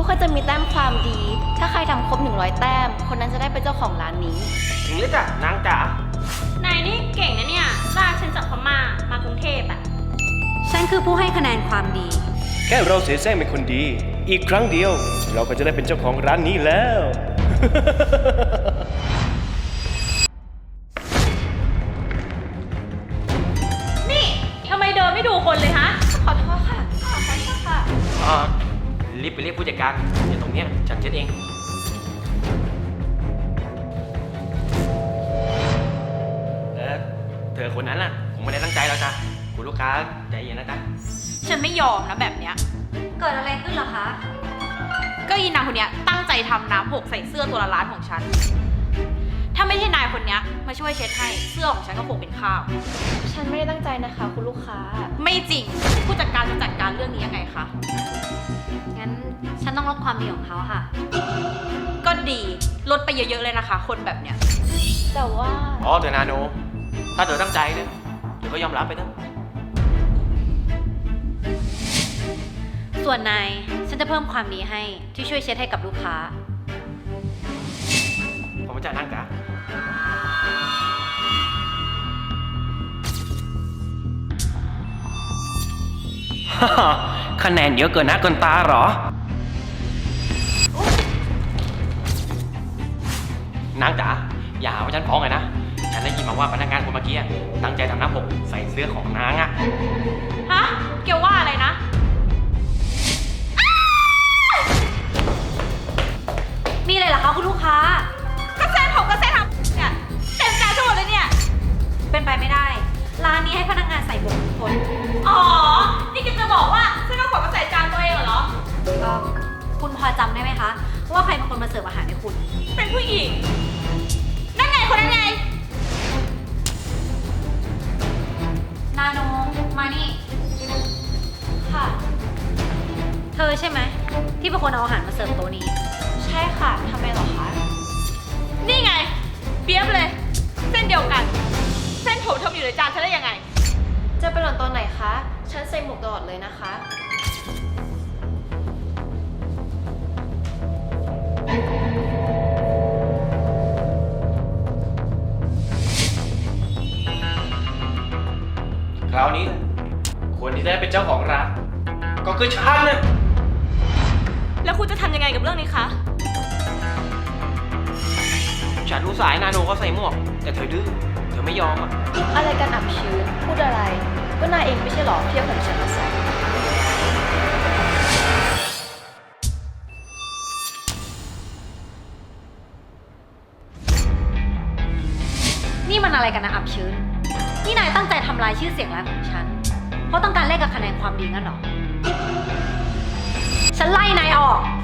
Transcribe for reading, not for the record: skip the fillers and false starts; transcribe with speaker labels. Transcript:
Speaker 1: ก็จะมีแต้มความดี ถ้าใครทำครบ100 แต้ม คนนั้นจะได้เป็นเจ้าของร้านนี้
Speaker 2: ถึงหรือจ้ะนางจ๋าน
Speaker 3: ายนี่เก่งนะเนี่ยลากฉันจากพม่ามากรุงเทพอะ
Speaker 4: ฉันคือผู้ให้คะแนนความดี
Speaker 5: แค่เราเสียแซงเป็นคนดี อีกครั้งเดียว เราก็จะได้เป็นเจ้าของร้านนี้แล้ว
Speaker 3: นี่ทำไมเดินไม่ดูคนเลยฮะ
Speaker 1: ขอโทษค่ะ ขอโทษค่ะ
Speaker 2: รีบไปเรียกผู้จัดการเดี๋ยวตรงเนี้ยฉันเช็ดเองเธอคนนั้นน่ะผมไม่ได้ตั้งใจแล้วจ้ะคุณลูกค้าใจเย็นนะจ๊ะ
Speaker 3: ฉันไม่ยอมนะแบบเนี้ย
Speaker 4: เกิดอะไรขึ้นเหรอคะ
Speaker 3: ก็ยีนางคนเนี้ยตั้งใจทำน้ำหกใส่เสื้อตัวละล้านของฉัน ถ้าไม่ใช่นายคนเนี้ยมาช่วยเช็ดให้เสื้อของฉันก็คงเป็นข้าว
Speaker 1: ฉันไม่ได้ตั้งใจนะคะคุณลูกค้า
Speaker 3: ไม่จริง ผู้จัดการจะจัดการเรื่องนี้ยังไงคะ
Speaker 4: งั้นฉันต้องลดความดีของเขาค่ะ
Speaker 3: ก็ดีลดไปเยอะๆเลยนะคะ คนแบบเนี้ย
Speaker 1: แต่ว่า
Speaker 2: อ๋อเธอนาโน ถ้าเธอตั้งใจเนี่ยเธอก็ยอมรับไปเถอะ
Speaker 4: ส่วนนาย ฉันจะเพิ่มความดีให้ที่ช่วยเช็ดให้กับลูกค้า
Speaker 2: ผมจะนั่งจ๋า คะแนนเยอะเกินหน้าเกินตาเหรอ นางจ๋าอย่าหาว่าฉันฟ้องเลยนะ ฉันได้ยินมาว่าพนักงานคนเมื่อกี้ตั้งใจทำน้ำหกใส่เสื้อของนางอะ
Speaker 3: ฮะ เกี่ยวว่าอะไรนะ
Speaker 4: มีอะไรเหรอคะคุณลูกค้า
Speaker 3: ก็เส้นผมก็เส้นทำเนี่ยเต็มใจทั้งหมดเลยเนี่ย
Speaker 4: เป็นไปไม่ได้ ร้านนี้ให้พนักงานใส่หมวกทุกคน
Speaker 3: อ๋อ นี่กิจะบอกว่าฉันเอาของมาใส่จานตัวเองเหรอ
Speaker 4: คุณพอจำได้ไหมคะ ว่าใครเป็นคนมาเสิร์ฟอาหารให้คุณ
Speaker 3: เป็นผู้หญิง นั่นไงคนนั้นไง
Speaker 4: นาโน มานี่
Speaker 1: ค่ะ
Speaker 4: เธอใช่ไหม ที่เป็นคนเอาอาหารมาเสิร์ฟโต๊ะนี้
Speaker 1: ใช่ค่ะทำไมเหรอคะ
Speaker 3: นี่ไง เปียบเลย เส้นเดียวกัน เส้นผมทำอยู่ในจานฉันได้ยังไง
Speaker 1: จะไปหล่นตอนไหนคะ ฉันใส่หมวกตลอดเลยนะคะ
Speaker 2: คราวนี้คนที่ได้เป็นเจ้าของร้านก็คือฉันนะ
Speaker 3: แล้วคุณจะทำยังไงกับเรื่องนี้คะ
Speaker 2: ฉันรู้สายนาโนก็ใส่หมวก แต่เธอดื้อเธอไม่ยอมอ่ะ
Speaker 1: อะไรกันอับชื้น พูดอะไร ก็นายเองไม่ใช่หรอที่เอาของฉันมาใส่
Speaker 4: นี่มันอะไรกันนะอับชื้น นี่นายตั้งใจทำลายชื่อเสียงร้านของฉัน เพราะต้องการแลกกับคะแนนความดีงั้นเหรอ ฉันไล่นายออก